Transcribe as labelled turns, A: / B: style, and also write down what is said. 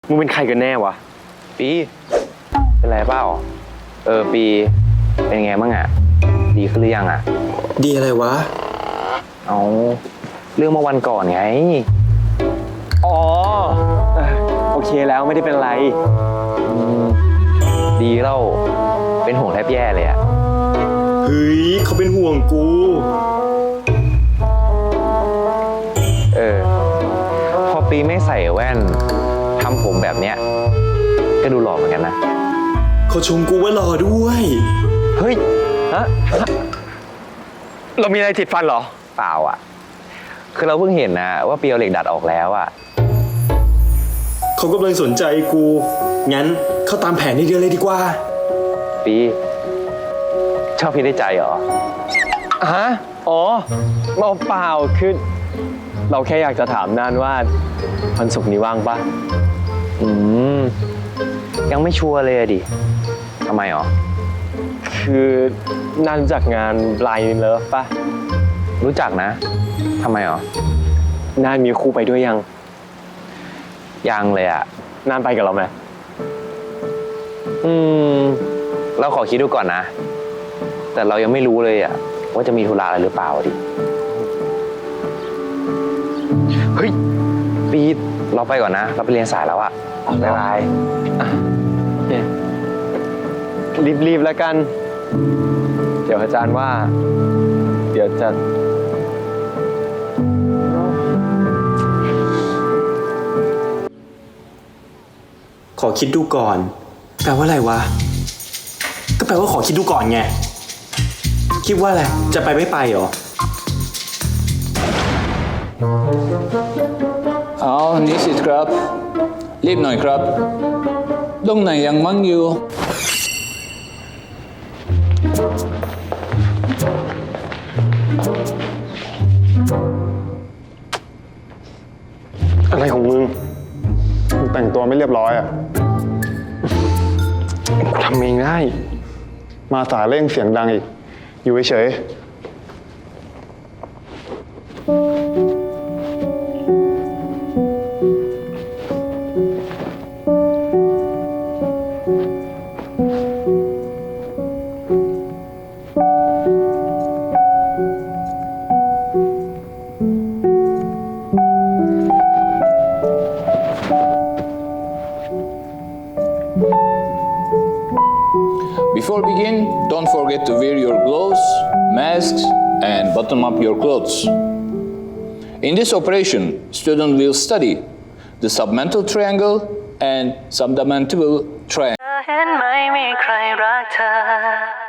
A: มึงเป็นใครกันแน่วะ
B: ปีเป็นไรเปล่าปีเป็นไงบ้างอะดีขึ้นหรือยังอะ
C: ดีอะไรวะ
B: เอาเรื่องเมื่อวันก่อนไง
A: อ๋อโอเคแล้วไม่ได้เป็นไร
B: ดีเล่าเป็นห่วงแทบแย่เลยอะ
C: เฮ้ยเขาเป็นห่วงกู
B: พอปีไม่ใส่แว่นทำผมแบบเนี้ยก็ดูหล่อเหมือนกันนะ
C: เขาชมกูว่าหล่อด้วย
A: เฮ้ยฮะเรามีอะไรติดฟันเหรอ
B: เปล่าอ่ะคือเราเพิ่งเห็นนะว่าเปียวเหล็กดัดออกแล้วอ่ะ
C: เขากำลังสนใจกูงั้นเข้าตามแผนนี้เดียวเลยดีกว่า
B: ปีชอบพี่ได้ใจเหรอ
A: ฮะอ๋อเปล่าคือเราแค่อยากจะถามนานว่าวันศุกร์นี้ว่างปะ
B: ยังไม่ชัวร์เลยดิทำไมหรอ
A: คือน่ารู้จักงาน Blind Love ปะ
B: รู้จักนะทำไมหรอ
A: น่ามีคู่ไปด้วย
B: ยังเลยอะ
A: น่าไปกับเราไหม
B: เราขอคิดดูก่อนนะแต่เรายังไม่รู้เลยอะว่าจะมีธุระอะไรหรือเปล่าดิเฮ้ยปีเราไปก่อนนะเราไปเรียนสายแล้วอะบ๊ายบาย
A: รีบแล้วกันเดี๋ยวอาจารย์ว่าเดี๋ยวจะ
C: ขอคิดดูก่อนแปลว่าอะไรวะก็แปลว่าขอคิดดูก่อนไงคิดว่าอะไรจะไปไม่ไปเหรอ
D: นิสิตครับรีบหน่อยครับตรงไหนยังมั่งอยู่
E: อะไรของมึงแต่งตัวไม่เรียบร้อยอ่ะกูทำเองได้มาสายเร่งเสียงดังอีกอยู่เฉย
D: Before begin, don't forget to wear your gloves, masks, and button up your clothes. In this operation, student will study the submental triangle and submental triangle.